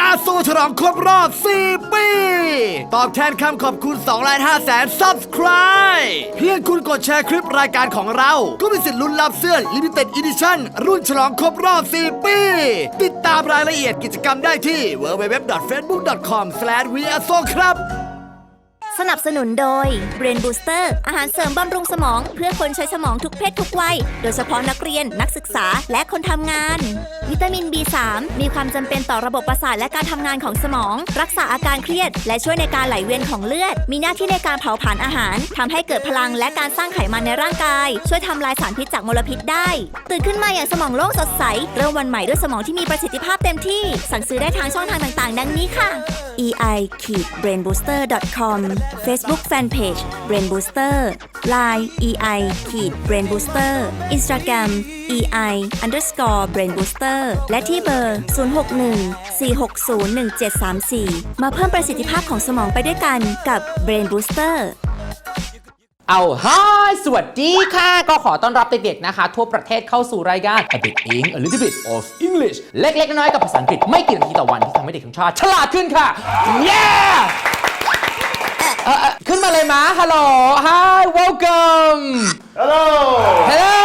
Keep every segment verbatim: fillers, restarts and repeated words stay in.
อาร์ โซ ฉลองครบรอบสี่ปีตอบแทนคำขอบคุณสองล้านห้าแสน Subscribe เพียงคุณกดแชร์คลิปรายการของเราก็มีสิทธิ์ลุ้นรับเสื้อ Limited Edition รุ่นฉลองครบรอบสี่ปีติดตามรายละเอียดกิจกรรมได้ที่ ดับเบิลยู ดับเบิลยู ดับเบิลยู ดอท เฟซบุ๊ก ดอท คอม สแลช วี อาร์ โซ ครับสนับสนุนโดย Brain Booster อาหารเสริมบำรุงสมองเพื่อคนใช้สมองทุกเพศทุกวัยโดยเฉพาะนักเรียนนักศึกษาและคนทำงานวิตามิน บี สาม มีความจำเป็นต่อระบบประสาทและการทำงานของสมองรักษาอาการเครียดและช่วยในการไหลเวียนของเลือดมีหน้าที่ในการเผาผลาญอาหารทำให้เกิดพลังและการสร้างไขมันในร่างกายช่วยทำลายสารพิษจากมลพิษได้ตื่นขึ้นมาอย่างสมองโล่งสดใสเริ่มวันใหม่ด้วยสมองที่มีประสิทธิภาพเต็มที่สั่งซื้อได้ทางช่องทางต่างๆดังนี้ค่ะ อี ไอ เบรนบูสเตอร์ ดอท คอม Facebook Fanpage Brain Booster ไลน์ อี ไอ เบรนบูสเตอร์ Instagram อี ไอ underscore Brain Booster และที่เบอร์ ศูนย์ หก หนึ่ง สี่ หก ศูนย์ หนึ่ง เจ็ด สาม สี่ มาเพิ่มประสิทธิภาพของสมองไปด้วยกันกับ Brain Booster เอาฮายสวัสดีค่ะก็ขอต้อนรับเด็กๆนะคะทั่วประเทศเข้าสู่รายการ A Bit Eng A Little Bit of English เล็กๆน้อยๆกับภาษาอังกฤษไม่กี่นาทีต่อวันที่ทำให้เด็กทั้งชาติฉลาดขึ้นค่ะ yeah เอ่อขึ้นมาเลยมาฮัลโหล hi welcome Hello. hello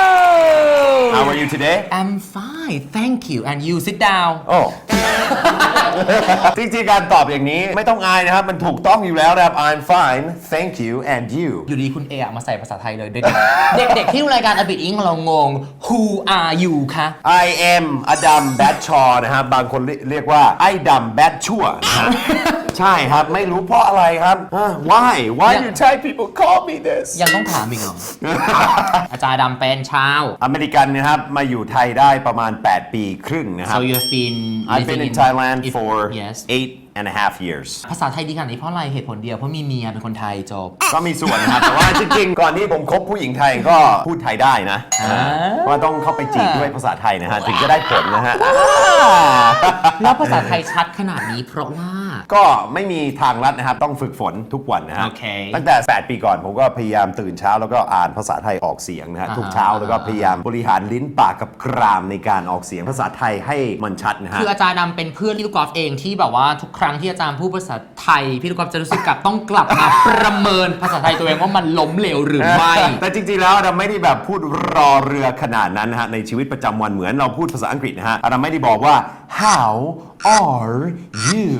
How are you today? I'm fine thank you and you sit down Oh. จริงๆการตอบอย่างนี้ไม่ต้องอายนะครับมันถูกต้องอยู่แล้วนะครับ I'm fine thank you and you อยู่ดีคุณเออะมาใส่ภาษาไทยเลยเด็กๆเด็กๆที่ดูรายการ A Bit Eng ของเรางง Who are you คะ I am อดัมแบดชอนะครับบางคนเรียกว่าไอ้ดำแบดชั่วนะฮะใช่ครับไม่รู้เพราะอะไรครับ Why Why do Thai people call me this ยังต้องถามอีกเหรอ อาจารย์ดำเป็นชาวอเมริกันนะครับมาอยู่ไทยได้ประมาณแปดปีครึ่งนะครับ So you've been I've been in Thailand if- for yes eight and a half years ภาษาไทยดีขนาดนี้เพราะอะไรเหตุผลเดียวเพราะมีเมียเป็นคนไทยจบก็มีส่วนนะครับ แต่ว่าจริงๆ ก่อนที่ผมคบผู้หญิงไทยก็พูดไทยได้นะเพราะว่าต้องเข้าไปจีบด้วยภาษาไทยนะฮะถึงจะได้ผลนะฮะแล้วภาษาไทยชัดขนาดนี้เพราะว่าก็ไม่มีทางลัดนะครับต้องฝึกฝนทุกวันนะฮะโอเคตั้งแต่แปดปีก่อนผมก็พยายามตื่นเช้าแล้วก็อ่านภาษาไทยออกเสียงนะฮะทุกเช้าแล้วก็พยายามบริหารลิ้นปากกับกรามในการออกเสียงภาษาไทยให้มันชัดนะฮะคืออาจารย์ดำเป็นเพื่อนพี่ลูกกอล์ฟเองที่แบบว่าทุกครั้งที่อาจารย์พูดภาษาไทยพี่ลูกกอล์ฟจะรู้สึกกับต้องกลับมาประเมินภาษาไทยตัวเองว่ามันล้มเหลวหรือไม่แต่จริงๆแล้วเราไม่ได้แบบพูดรอเรือขนาดนั้นนะฮะในชีวิตประจำวันเหมือนเราพูดภาษาอังกฤษนะฮะเราไม่ได้บอกว่า how are you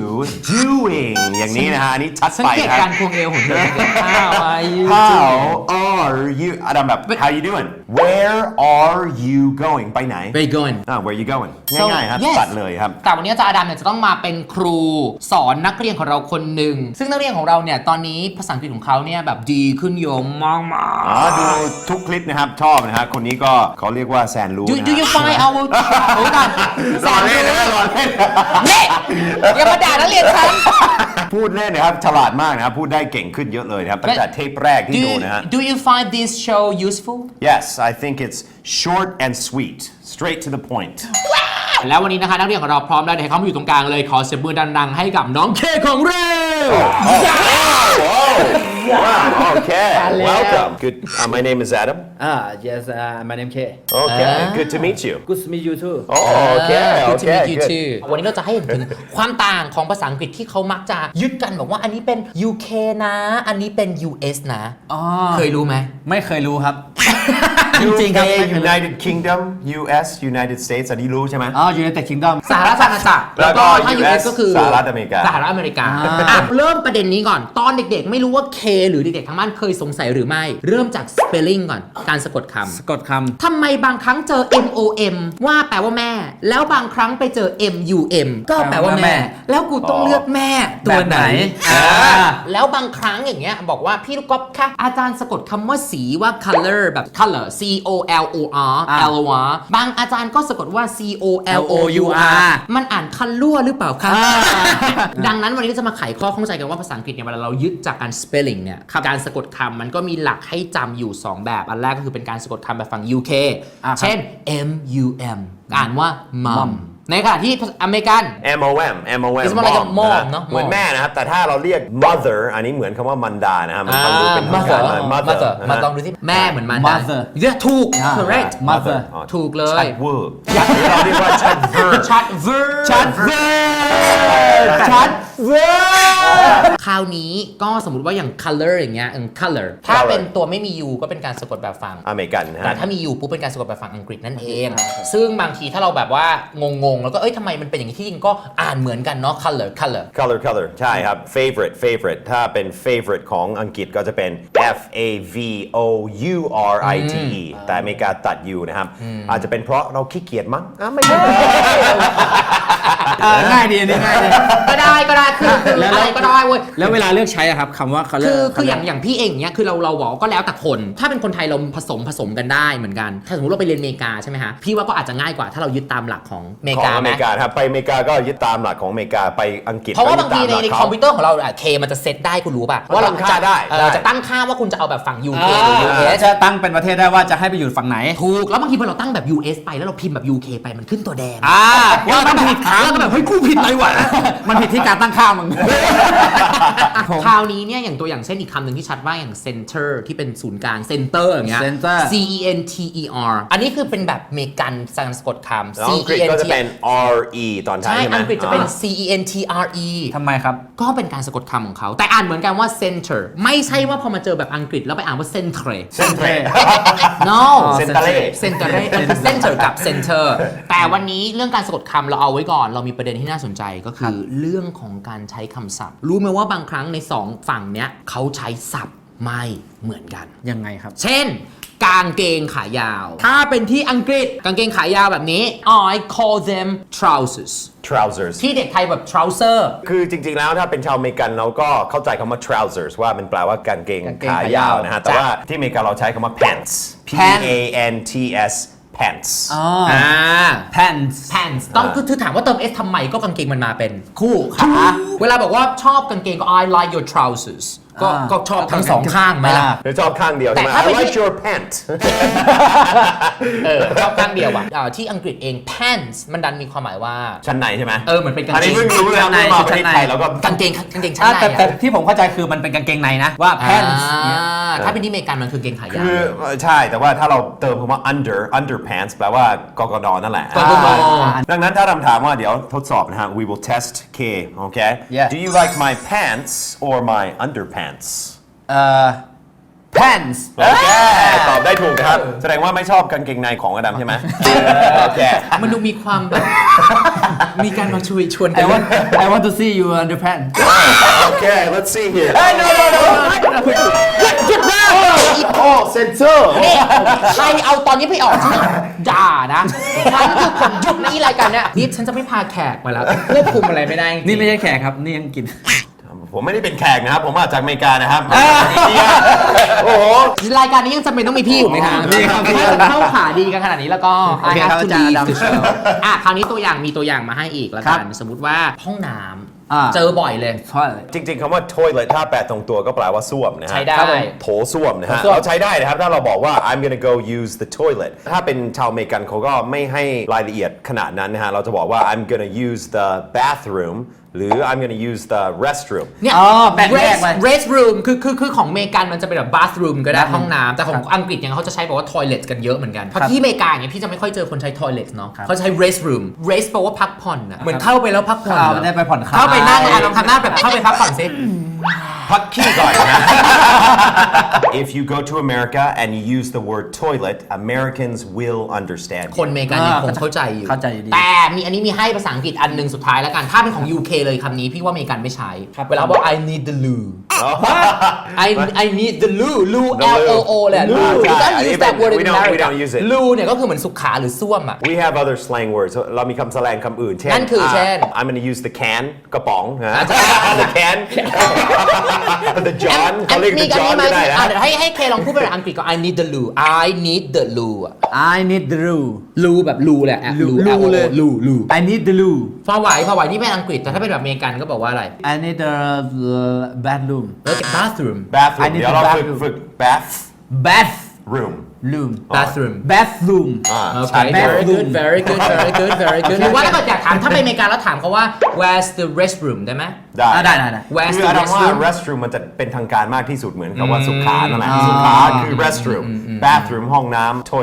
doing อย่างนี้นะฮะอันนี้ชัดสังไปเกตคการับรควงเอวของเธอ How are you how are you อาดัมแบบ how you doing where are you going ไปไหน Where you going อ่า where you going So, ง่ายๆครับ yes ตัดเลยครับแต่วันนี้อาจารย์อดัมเนี่ยจะต้องมาเป็นครูสอนนักเรียนของเราคนหนึ่งซึ่งนักเรียนของเราเนี่ยตอนนี้ภาษาอังกฤษของเขาเนี่ยแบบดีขึ้นเยอะมากมาอ๋อดูทุกคลิปนะครับชอบนะฮะคนนี้ก็เขาเรียกว่าแซนรู้ Do นะ Do you find our โอ้ยก่อนรอเล่นนะรอเล่นนี่อย่ามาด่านักเรียนฉันพูดเล่นนะครับฉลาดมากนะครับพูดได้เก่งขึ้นเยอะเลยนะครับตั้งแต่เทปแรกที่ Do ดูนะฮะ Do you find this show useful Yes I think it's short and sweet straight to the point แล้ววันนี้นะคะนักเรียนของเราพร้อมแล้วเดี๋ยวให้เขามาอยู่ตรงกลางเลยขอเสียงมือดังๆให้กับน้องเคของเรา Wow okay welcome good uh, my name is Adam Ah, yes, uh, my name K. okay good to meet you Good to meet you too. oh okay Good to okay meet you good too วันนี้เราจะให้เห็นถึงความต่างของภาษาอังกฤษที่เขามักจะยึดกันบอกว่าอันนี้เป็น ยู เค นะ อันนี้เป็น ยู เอส นะอ๋อเคยรู้ไหมไม่เคยรู้ครับจจริงๆครับ U K United Kingdom U S United States อันนี้รู้ใช่ไหมอ๋อ United Kingdom สหรัฐอาณาจักรแล้วก็ถ้า ยูยูเอเอสสก็คือสหรัฐอเมริกาสหรัฐอเมริกาอ่ะเริ่มประเด็นนี้ก่อน ตอนเด็กๆ ไม่รู้ว่า K หรือเด็กๆทั้งบ้านเคยสงสัยหรือไม่ เริ่มจาก spelling ก่อน การสะกดคำสะกดคทำไมบางครั้งเจอ M O M ว่าแปลว่าแม่ แล้วบางครั้งไปเจอ M U M ก็แปลว่าแม่ แล้วกูต้องเลือกแม่ตัวไหนอ่าแล้วบางครั้งอย่างเงี้ยบอกว่าพี่ลูกก๊อฟค่ะอาจารย์สะกดคำว่าสีว่า color แบบ color C O L O R L O R บางอาจารย์ก็สะกดว่า C O L O U R มันอ่านคันลั่วหรือเปล่าคะดังนั้นวันนี้จะมาไขข้อข้องใจกันว่าภาษาอังกฤษเนี่ยเวลาเรายึดจากการ spelling เนี่ยการสะกดคำมันก็มีหลักให้จำอยู่สองแบบอันแรกก็คือเป็นการสะกดคำแบบฝั่ง ยู เค เช่น M U M อ่านว่า mom ในขณะที่อเมริกัน M O M M O M It's more like a mom นะฮะเนอะเหมือนแม่นะครับ แต่ถ้าเราเรียก mother อันนี้เหมือนคำว่ามันดานะฮะมันฟังดูเป็นทางการหน่อย mother นะมาฮะลองดูที่แม่เหมือนมัน Mother เนี่ยถูกอ่า correct Mother อ๋อถูกเลชัยดเวอร์เราเรียกว่าชัดเวอร์ชัดเวอร์ชัดเวอร์ชัดเวอร์คราวนี้ก็สมมติว่าอย่าง color อย่างเงี้ยเออ color ถ้าเป็นตัวไม่มี u ก็เป็นการสะกดแบบฝั่งอเมริกันนะแต่ฮะถ้ามี u ปุ๊บเป็นการสะกดแบบฝั่งอังกฤษนั่นเอง ซึ่งบางทีถ้าเราแบบว่างงๆ แล้วก็เอ้ยทำไมมันเป็นอย่างนี้ที่จริงก็อ่านเหมือนกันเนาะ color color color color ใช่ครับ favorite favorite ถ้าเป็น favorite ของอังกฤษก็จะเป็น f a v o u r i t e แต่อเมริกาตัด u นะครับ อาจจะเป็นเพราะเราขี้เกียจมั้งอ่ะไม่ใช่อ่าง่ายดีอันนี้ง่ายดีก็ได้ก็ได้คือคือแล้วอะไรก็ได้เว้ยแล้วเวลาเลือกใช้อะครับคำว่า color คือคืออย่างอย่างพี่เองเนี้ยคือเราเราบอกว่าก็แล้วแต่คน ถ้าเป็นคนไทยเราผสมผสมกันได้เหมือนกัน ถ้าสมมติเราไปเรียนอเมริกาใช่ไหมฮะพี่ว่าก็อาจจะง่ายกว่าถ้าเรายึดตามหลักของอเมริของกาอไหเมมริกาครับไปอเมริกาก็ยึดตามหลักของอเมริกาไปอังกฤษเพราะว่าก็บางยึดทีตมในหลักคอมพิวเตอร์ของเราอะเคมันจะเซตได้คุณรู้ป่ะว่าเราตั้งค่าจะได้เออได้จะตั้งค่าว่าคุณจะเอาแบบฝั่ง ยู เค หรือ ยู เอสจะตั้งเป็นประเทศได้ว่าจะให้ไปอยู่ฝั่งไหนถูกแล้วบางทีพอเราตั้งแบบ ยู เอส ไปแล้วเราพิมพ์แบบ ยู เค ไปมันขึ้นตัวแดงอ่าว่ามันผิดแล้วก็แบบเฮ้ยกูผิดอะไรวะมันผิดที่การตั้งค่ามึงคราวนี้เนี่ยอย่างตัวอย่างเช่นอีกคำหนึ่งที่ชัดว่าอย่าง center ที่เป็นศูนย์กลาง center อย่างเงี้ย center C E N T E R อันนี้คือเป็นแบบอเมริกันสังสะกดคำแล้ว C อังกฤ E ษ N ก็จะ T เป็น r e ตอนท้ายใช่ใช่ไหมอังกฤษจะเป็น C E N T R E ทำไมครับก็เป็นการสะกดคำของเขา แต่อ่านเหมือนกันว่า center ไม่ใช่ว่าพอมาเจอแบบอังกฤษแล้วไปอ่านว่า centre เส้นเทร no เซนเตเล่ center มันคือ center กับ center แต่วันนี้เรื่องการสะกดคำเราเอาไว้ก่อน เรามีประเด็นที่น่าสนใจก็คือเรื่องของการใช้คำศัพท์ รู้ไหมว่าบางครั้งในสองฝั่งเนี้ยเขาใช้ศัพท์ไม่เหมือนกันยังไงครับเช่น กางเกงขายาว ถ้าเป็นที่อังกฤษกางเกงขายาวแบบนี้ I call them trousers trousers ที่เด็กไทยแบบ trouser คือจริงๆ แล้วถ้าเป็นชาวอเมริกันเราก็เข้าใจคำว่า trousers ว่ามันแปลว่ากางเกงกางเกงขาขายายาว วนะฮะ แต่ว่าที่อเมริกาเราใช้คำว่า pants p a n t s pants อ๋ออ่า pants pants ต้องคือคือถามว่าเติม s ทำไมก็กางเกงมันมาเป็นคู่ขาเวลาบอกว่าชอบกางเกงก็ I like your trousers ก็อ่าก็ชอบทั้งสองข้างไหมล่ะหรือชอบข้างเดียวใช่ไหมแต่ถ้า I เป็น like your pant เออชอบข้างเดียวอ่ะอ่าที่อังกฤษเอง pants มันดันมีความหมายว่าชั้นในใช่ไหมเออเหมือนเป็นกางอันเกนี้งเพิ่งรู้นะชั้นในเมื่อมาประเทศไทยชั้นในแล้วก็กางเกงกางเกงชั้นอ่าในแต่แต่อะที่ผมเข้าใจคือมันเป็นกางเกงในนะว่า pants เนี่ยอ่าถ้าเป็นที่อเมริกันมันคือกางเกงขายาวคือใช่ แต่ว่าถ้าเราเติมคำว่า under underpants แปลว่ากกนนั่นแหละกกนดังนั้นถ้าคำถามว่าเดี๋ยวทดสอบนะฮะ we will test K okay Yeah. do you like my pants or my underpants เอ่อ pants โอเคตอบได้ถูกนะครับ แสดงว่าไม่ชอบกางเกงในของอดัมใช่ไหมโอเคมันดูมีความแบบ มีการมาชวนชวนกั I น want I want to see you under pants โอเค let's see here no no no หยุดนะโอ้เซนเซอร์นี่ใครเอาตอนนี้ไปออกฉันด่านะฉันคือคนหยุดในรายการเนี้ยนี่ฉันจะไม่พาแขกมาแล้วควบคุมอะไรไม่ได้จริงๆนี่ไม่ใช่แขกครับ นี่ยังกินผมไม่ได้เป็นแขกนะครับ ผมมาจากอเมริกานะครับโอ้โหรายการนี้ยังจำเป็นต้องมีพี่อยู่ไหมคะมีครับมีถ้าเข้าขาดีกันขนาดนี้แล้วก็โอเคครับ I have to อาจารย์ leave ดำ the show อ่ะคราวนี้ตัวอย่างมีตัวอย่างมาให้อีกแล้วกันครับสมมุติว่าห้องน้อ่าำเจอบ่อยเลย toilet จริงๆคำว่า toilet ถ้าแปลตรงตัวก็แปลว่าส้วมนะฮะใช้ได้ครับผมโถส้วมนะฮะโถส้วมเราใช้ได้นะครับ ถ้าเราบอกว่า I'm gonna go use the toilet ถ้าเป็นชาวอเมริกันเขาก็ไม่ให้รายละเอียดขนาดนั้นนะฮะ เราจะบอกว่า I'm gonna use the bathroom หรือ I'm gonna use the restroom เนี่ยอ๋อแบ่งแยก rest ไป rest room คือคือคือของอเมริกันมันจะเป็นแบบ bathroom ก็ได้ bathroom ห้องน้ำแต่ของอังกฤษเนี่ยเขาจะใช้บอกว่า toilet กันเยอะเหมือนกัน เพราะที่อเมริกาเนี่ยพี่จะไม่ค่อยเจอคนใช้ toilet เนาะครับเขาใช้ rest room rest แปลว่าพักผ่อนอะเหมือนเข้าไปแล้วพักผ่อนเข้าเหรอได้ไปผ่อนคลายเข้าไปนั่งอ่ะลองทำหน้าแบบเข้าไปพักผ่อนสิพักขี้ก่อนนะ If you go to America and you use the word toilet Americans will understand คนอเมริกันยังคงเข้าใจอยู่เข้าใจอยู่ดีแต่มีอันนี้มีให้ภาษาอังกฤษอันหนึ่งสุดท้ายแล้วกัน ถ้าเป็นของ ยู เค เลยคำนี้พี่ว่าอเมริกันไม่ใช้ เวลาบอก I need the loo I I need the loo loo The L O O เลย loo loo we don't Yeah, use that even- word we in don't- we America don't use it. loo เนี่ยก็คือเหมือนสุขาหรือส้วมอ่ะ We have other slang words เรามีคำแสลงคำอื่น เช่นนั่นคือเช่น I'm gonna use the can กระป๋องนะอ่าใช่ the can the John เขาเรียกมี the กัน John นี้ไหมก็ได้นะอ่ะเดี๋ยวให้ให้เคลองพูดเป็นภาษาอังกฤษก็ I need the loo I need the loo อะ I need the loo loo แบบ loo แหละ loo L O O เลย loo loo I need the loo พอไหวพอไหวนี่เป็นอังกฤษแต่ถ้าเป็นแบบอเมริกันก็บอกว่าอะไร I need the uh, bathroom เออ bathroom bathroom I need เดี๋ยวเรา the ฝึก bathroom ฝึก bath bathroom room bathroom bathroom อ่าโอเคใช่ very good very good very good very good หรือว่าถ้าเกิดอยากถามถ้าไปอเมริกาแล้วถามเขาว่า where's the restroom ได้ไหมได้อ่าได้ได้ได้ where's คือ the อาดัมว่า restroom restroom มันจะเป็นทางการมากที่สุดเหมือนกับว่าสุขานั่นแหละอืมสุขาคือ restroom bathroom ห้องน้ำ toilet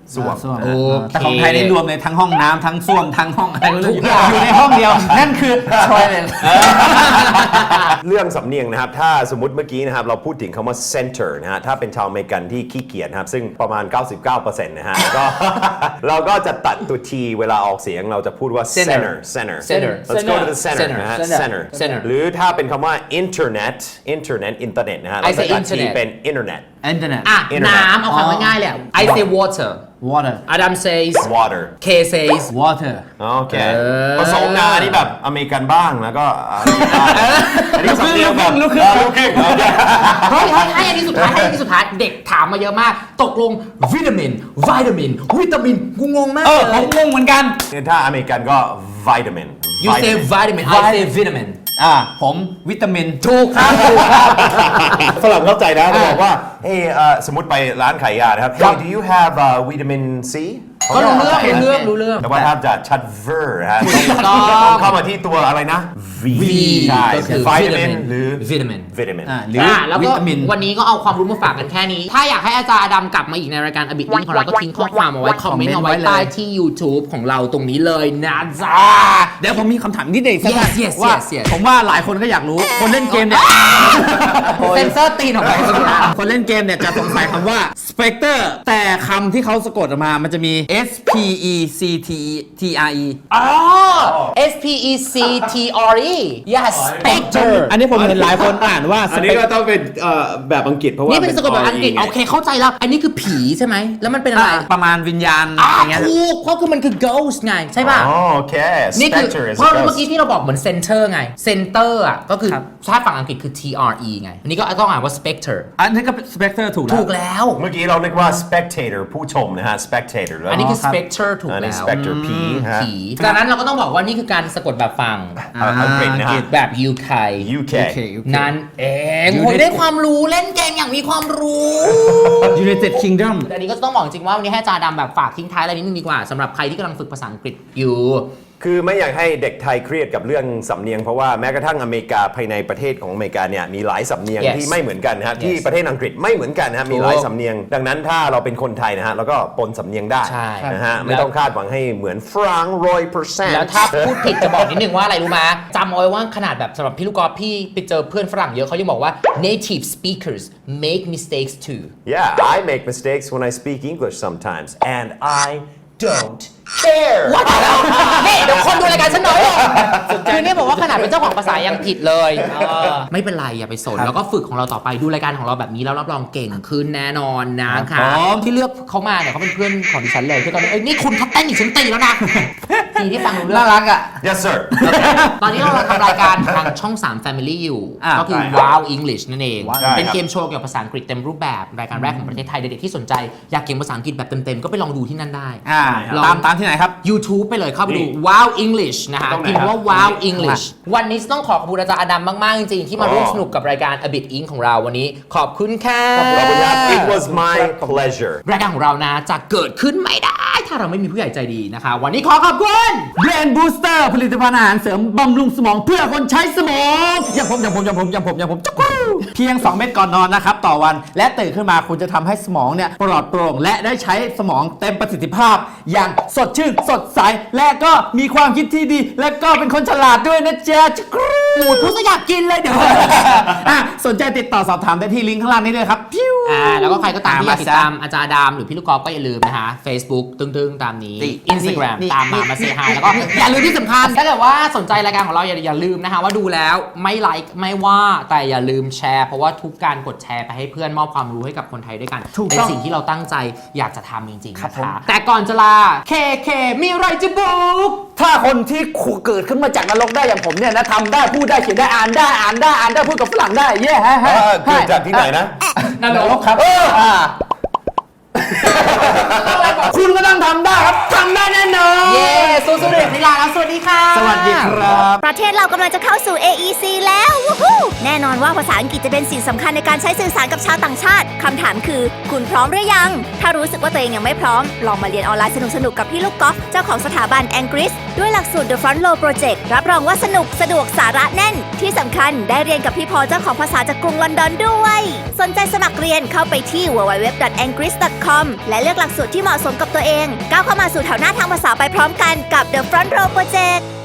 ส้วมส้วมโอเคแต่ของไทยนี่รวมในทั้งห้องน้ำทั้งส้วมทั้งห้องอะไรก็เรื่ทุกอย่างอยู่ในห้องเดียว นั่นคือ toilet เรื่องสำเนียงนะครับ ถ้าสมมติเมื่อกี้นะครับ เราพูดถึงคำว่า center นะฮะ ถ้าเป็นชาวอเมริกันที่ขี้เกียจนะครับ ซึ่งประมาณ เก้าสิบเก้าเปอร์เซ็นต์ นะฮะแล้วก็ เราก็จะตัดตัว t เวลาออกเสียงเราจะพูดว่า center center center let's go to the center นะฮะ center center center หรือถ้าเป็นคำว่า internet internet อินเทอร์เน็ตนะฮะ I เรา say จะตัด t internet เป็น internet internet อ่ะ Internet น้ำเอาความง่ายๆเลยอะ I say water water Adam says water K says water โอเคเออผสมนะอันนี้แบบอเมริกันบ้างแล้วก็อันนี้สำเนียงแบบลูกครึ่งลูกครึ่งโอเคเฮ้ยให้ให้อันนี้สุดท้ายให้อันนี้สุดท้ายเด็กถามมาเยอะมาก ตกลงวิตามินวิตามินวิตามินกูงงมากเออเลผมยงงเหมือนกันถ้าอเมริกันก็ vitamin You say vitamin I say vitamin อ่าผมวิตามินถูกครับถูกครับฝรั่งเข้าใจนะเขาบอกว่าเฮ้ยเอ่อสมมติไปร้านขายยานะครับ Hey do you have uh, vitamin C ก็รู้เรื่องรู้เรื่องรู้เรื่องแต่ว่าถ้าจะชัดเวอร์ฮะถูกต้องต้องเข้ามาที่ตัวอะไรนะ V ใช่ก็คือ vitamin หรือ vitamin vitamin อ่าหรืออ่าแล้ววิก็ตามินวันนี้ก็เอาความรู้มาฝากกันแค่นี้ ถ้าอยากให้อาจารย์อดัมกลับมาอีกในรายการอบิทลิงของเราก็ทิ้งข้อความเอาไว้คอมเมนต์เอาไว้ใต้ที่ YouTube ของเราตรงนี้เลยนะจ๊ะเดี๋ยวผมมีคำถามนิดเดียวสั้น Yes, yes, ๆว่า yes, yes ผมว่าหลายคนก็อยากรู้ คนเล่นเกมเนี่ยเซนเซอร์ตีนออกไปสักทีคนเล่นเกมเนี่ยจะสงสัยคำว่า Spectre แต่คำที่เขาสะกดออกมามันจะมี S P E C T T R E อ๋อ S P E C T R E yes Spectre อันนี้ผมเห็นหลายคนอ่านว่าอันนี้ก็ต้องเป็นเอ่อแบบอังกฤษเพราะว่านี่เป็นสะกดแบบอังกฤษ โอเคเข้าใจแล้ว อันนี้คือผีใช่ไหม แล้วมันเป็นอะไรประมาณวิญญาณอ่าอย่างเงี้ยถูกเพราะคือมันคือ ghost ไง ใช่ป่ะอ๋อโอเคนี่คือ Spectre is เพราะ a เมื่อ ghost กี้ที่เราบอกเหมือน center ไง center อ่ะก็คือครับถ้าฝั่งอังกฤษคือ T R E ไง อันนี้ก็ต้องอ่านว่า spectre อันนี้ก็ Spectre ถูกแล้วถูกแล้วเมื่อกี้เราเรียกว่า spectator ผู้ชมนะฮะ spectator แล้วอันนี้คือครับ spectre ถูกอันนี้แล้ว spectre ผีฮะผีจากนั้นเราก็ต้องบอกว่านี่คือการสะกดแบบฝั่งอ่าอังกฤษนะฮะแบบ ยู เค U K โอเคโอเคนั่นเองอยู่โอ้ยในได้ความรู้เล่นเกมอย่างมีความรู้ United Kingdom แต่อันนี้ก็ต้องบอกจริงว่าวันนี้ให้อาจารย์ดำแบบฝากทิ้งท้ายอะไรนิดนึงดีกว่าสำหรับใครที่กำลังฝึกภาษาอังกฤษอยู่คือไม่อยากให้เด็กไทยเครียดกับเรื่องสำเนียงเพราะว่าแม้กระทั่งอเมริกาภายในประเทศของอเมริกาเนี่ยมีหลายสำเนียง Yes. ที่ไม่เหมือนกันนะฮะ Yes. ที่ประเทศอังกฤษไม่เหมือนกันนะฮะมีหลายสำเนียง ดังนั้นถ้าเราเป็นคนไทยนะฮะเราก็ปนสำเนียงได้ใช่นะฮะแล้วไม่ต้องคาดหวังให้เหมือนฝรั่งร้อยเปอร์เซ็นต์แล้วถ้าพูดผิดจะบอกนิดนึงว่าอะไรรู้ไหมจำเอาไว้ว่าขนาดแบบสำหรับพี่ลูกกอล์ฟพี่ไปเจอเพื่อนฝรั่งเยอะเขายังบอกว่า native speakers make mistakes too Yeah I make mistakes when I speak English sometimes and I don't care ว่าแต่แล้วนี่เดี๋ยวคนดูรายการฉันน้อยลงคือเนี่ยบอกว่าขนาดเป็นเจ้าของภาษายังผิดเลยเออไม่เป็นไรอย่าไปสนแล้วก็ฝึกของเราต่อไปดูรายการของเราแบบนี้แล้วรับรองเก่งขึ้นแน่นอนนะคครัรับบ ผมที่เลือกเขามาเนี่ยเขาเป็นเพื่อนของดิฉันเลยคือตอนนี้เอ้ยนี่คุณทัดเต้นอีกฉันตีแล้วนะทีที่ฟังรู้เรื่น่าองรักอ่ะ Yes sir ตอนนี้เราทำรายการทางช่อง สาม Family อยู่อ่าก็คือใช่ครับ Wow English นั่นเอง Wow เป็นใช่ครับเกมโชว์เกี่ยวกับภาษาอังกฤษเต็มรูปแบบรายการแรกของประเทศไทยเด็กๆที่สนใจอยากเก่งภาษาอังกฤษแบบเต็มๆก็ไปลองดูที่นั่นได้อ่าลองตามตามที่ไหนครับ YouTube ไปเลยเข้าไปดูนี่ Wow English นะฮะตรงไหนพิมพ์ว่าครับ Wow นี่ English วันนี้ต้องขอขอบคุณอาจารย์อดัมมาก ๆ จริง ๆ ที่มาร่วมสนุกกับรายการ A Bit Ink ของเราวันนี้ขอบคุณค่ะขอบคุณครับ It was my pleasure รายการของเรานะจะเกิดขึ้นไม่ได้ ถ้าเราไม่มีผู้ใหญ่ใจดีนะคะ วันนี้ขอขอบคุณ Brain Booster ผลิตภัณฑ์อาหารเสริมบำรุงสมองเพื่อคนใช้สมองอย่างผมอย่างผมอย่างผมอย่างผมอย่างผมจักรูเพียง สอง เม็ดก่อนนอนนะครับต่อวันและตื่นขึ้นมาคุณจะทำให้สมองเนี่ยปลอดโปร่งและได้ใช้สมองเต็มประสิทธิภาพ อย่างสดชื่นสดใสและก็มีความคิดที่ดี และก็เป็นคนฉลาดด้วยนะจ๊ะจักรูพูดซะอยากกินเลยเดี๋ยวอ่ะสนใจติดต่อสอบถามได้ที่ลิงก์ข้างล่างนี้เลยครับพิ้วอ่าแล้วก็ใครก็ตามที่อยากติดอ่ามาซะตามอาจารย์ดามหรือพี่ลูกกอล์ฟก็อย่าลืมนะคะ Facebook ตึ้งๆ ตามนี้นี่ Instagram นี่ตามมานี่มาเซฮายแล้วก็อย่าลืมที่สำคัญถ้าเกิดว่าสนใจรายการของเราอย่าอย่าลืมนะคะว่าดูแล้วไม่ไลค์ไม่ว่าแต่อย่าลืมแชร์เพราะว่าทุกการกดแชร์ไปให้เพื่อนมอบความรู้ให้กับคนไทยด้วยกันถูกเป็นต้องสิ่งที่เราตั้งใจอยากจะทำจริงๆครับนะผมคะแต่ก่อนจะลาเคเคมีอะไรจะบุกถ้าคนที่เกิดขึ้นมาจากนรกได้อย่างผมเนี่ยนะทำได้พูดได้เขียนได้อ่านได้อ่านได้อ่านได้พูดกับฝรั่งได้เย้ฮะเออเกิดจากที่ไหนนะนรกครับอ่าคุณก็ต้องทำได้ครับทำได้แน่นอนเย้สู้ๆเด็กนิลาแล้วสวัสดีค่ะสวัสดีครับประเทศเรากำลังจะเข้าสู่ เอ อี ซี แล้ววู้ฮู้แน่นอนว่าภาษาอังกฤษจะเป็นสิ่งสำคัญในการใช้สื่อสารกับชาวต่างชาติ คำถามคือ คุณพร้อมหรือยัง ถ้ารู้สึกว่าตัวเองยังไม่พร้อม ลองมาเรียนออนไลน์สนุกๆ กับพี่ลูกกอล์ฟเจ้าของสถาบัน Angris ด้วยหลักสูตร The Front Row Project รับรองว่าสนุกสะดวกสาระแน่น ที่สำคัญได้เรียนกับพี่พอเจ้าของภาษาจากกรุงลอนดอนด้วย สนใจสมัครเรียนเข้าไปที่ ดับเบิลยู ดับเบิลยู ดับเบิลยู ดอท แองกริส ดอทคอม และเลือกหลักสูตรที่เหมาะสมกับตัวเอง ก้าวเข้ามาสู่แถวหน้าทางภาษาไปพร้อมกันกับ The Front Row Project